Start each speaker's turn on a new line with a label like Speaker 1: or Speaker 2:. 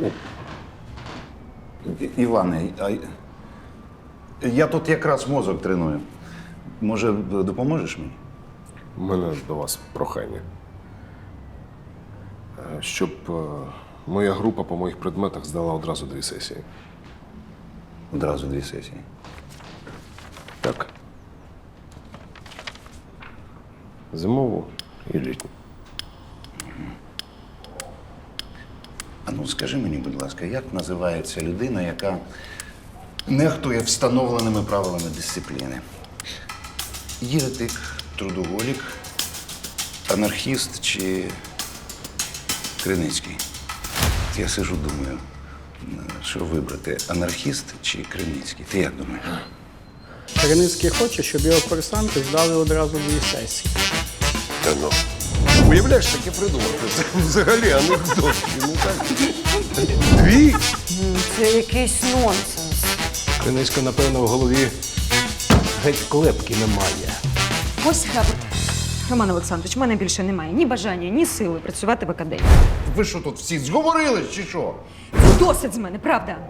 Speaker 1: Іване, я тут якраз мозок треную. Може, допоможеш мені?
Speaker 2: У мене до вас прохання. Щоб моя група по моїх предметах здала одразу 2 сесії.
Speaker 1: Одразу 2 сесії.
Speaker 2: Так. Зимову і літню.
Speaker 1: А ну скажи мені, будь ласка, як називається людина, яка нехтує встановленими правилами дисципліни? Єретик, трудоголік, анархіст чи Криницький? Я сижу, думаю, що вибрати, анархіст чи Криницький? Ти як думаєш?
Speaker 3: Криницький хоче, щоб його курсанти здали одразу 2 сесії.
Speaker 2: Та ну. Уявляєш, таке придумати. Це взагалі анекдот. Ну так. 2?
Speaker 4: Це якийсь нонсенс.
Speaker 5: Криницька, напевно, в голові геть клепки немає.
Speaker 6: Ось хабр. Роман Олександрович, в мене більше немає ні бажання, ні сили працювати в академії.
Speaker 1: Ви що тут всі зговорились чи що?
Speaker 6: Досить з мене, правда?